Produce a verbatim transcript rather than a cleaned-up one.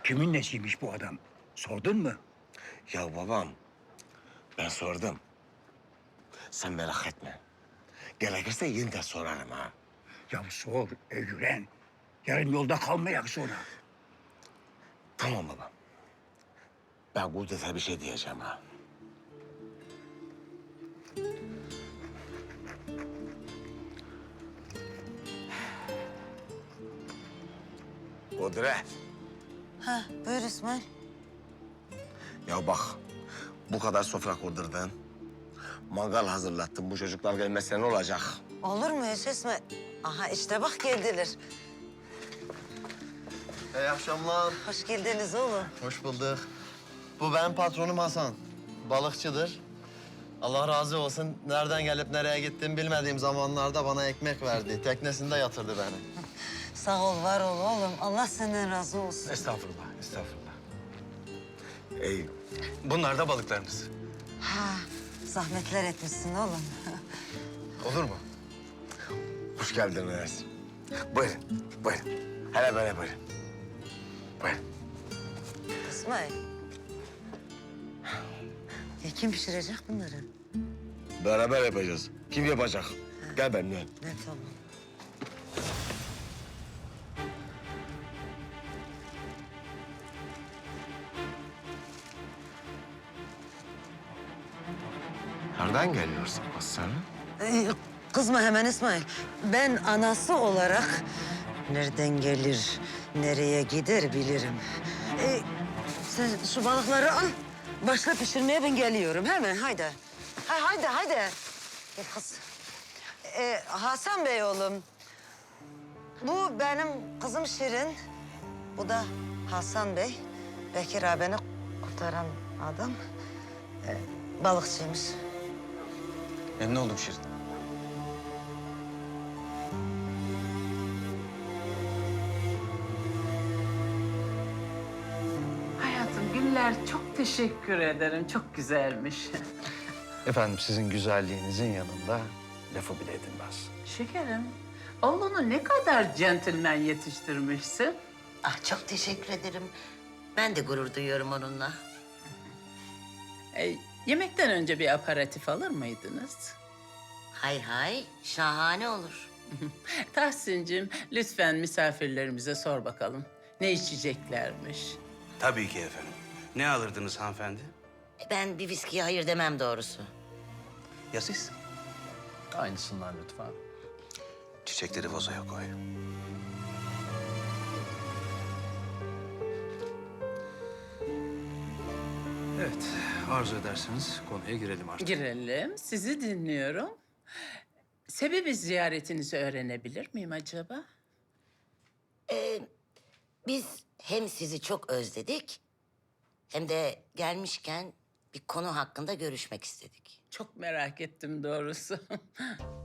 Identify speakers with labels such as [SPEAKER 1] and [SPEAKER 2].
[SPEAKER 1] Kimin nesiymiş bu adam? Sordun mu?
[SPEAKER 2] Ya babam, ben sordum. Sen merak etme. Gerekirse yeniden sorarım ha.
[SPEAKER 1] Ya sor, öğren. Yarın yolda kalmayak sonra.
[SPEAKER 2] Tamam babam. Ben Kudret'e bir şey diyeceğim ha. Kudret.
[SPEAKER 3] Ha, buyur İsmail.
[SPEAKER 2] Ya bak, bu kadar sofra kurdurdun. Mangal hazırlattın. Bu çocuklar gelmezse ne olacak?
[SPEAKER 3] Olur mu hiç İsmail? Aha işte bak geldiler.
[SPEAKER 4] İyi akşamlar.
[SPEAKER 3] Hoş geldiniz oğlum.
[SPEAKER 4] Hoş bulduk. Bu benim patronum Hasan. Balıkçıdır. Allah razı olsun. Nereden gelip nereye gittiğimi bilmediğim zamanlarda bana ekmek verdi. Teknesinde yatırdı beni.
[SPEAKER 3] Sağ ol, var ol oğlum. Allah senden razı olsun.
[SPEAKER 5] Estağfurullah, estağfurullah.
[SPEAKER 2] Ey,
[SPEAKER 5] Bunlar da balıklarınız.
[SPEAKER 3] Ha, zahmetler etmişsin oğlum.
[SPEAKER 5] Olur mu?
[SPEAKER 2] hoş geldiniz. Buyurun, buyurun. Hele böyle buyurun. Buyurun.
[SPEAKER 3] İsmail. Ya kim pişirecek bunları?
[SPEAKER 2] Beraber yapacağız. Kim yapacak? Gel benimle.
[SPEAKER 3] Ne tamam.
[SPEAKER 2] Nereden geliyorsun kız sen?
[SPEAKER 3] Ee, kızma hemen İsmail. Ben anası olarak nereden gelir, nereye gider bilirim. Ee, sen şu balıkları al. Başla pişirmeye ben geliyorum. Hemen haydi. Ha, haydi haydi. Gel kız. Ee, Hasan Bey oğlum. Bu benim kızım Şirin. Bu da Hasan Bey. Bekir abini kurtaran adam. Ee, balıkçıymış.
[SPEAKER 5] Memnun oldum Şirin.
[SPEAKER 6] Hayatım, Güller çok teşekkür ederim. Çok güzelmiş.
[SPEAKER 5] Efendim sizin güzelliğinizin yanında lafı bile edilmez.
[SPEAKER 6] Şekerim, oğlunu ne kadar centilmen yetiştirmişsin.
[SPEAKER 7] Ah çok teşekkür ederim. Ben de gurur duyuyorum onunla.
[SPEAKER 6] E, yemekten önce bir aperatif alır mıydınız?
[SPEAKER 7] Hay hay şahane olur.
[SPEAKER 6] Tahsin'cim, lütfen misafirlerimize sor bakalım. Ne içeceklermiş?
[SPEAKER 8] Tabii ki efendim. Ne alırdınız hanımefendi?
[SPEAKER 7] Ben bir viskiye hayır demem doğrusu.
[SPEAKER 8] Ya siz?
[SPEAKER 5] Aynısından lütfen.
[SPEAKER 8] Çiçekleri vazoya koy.
[SPEAKER 5] Evet, arzu ederseniz konuya girelim artık.
[SPEAKER 6] Girelim, sizi dinliyorum. Sebebi ziyaretinizi öğrenebilir miyim acaba?
[SPEAKER 7] Ee, biz hem sizi çok özledik... hem de gelmişken bir konu hakkında görüşmek istedik.
[SPEAKER 6] Çok merak ettim doğrusu.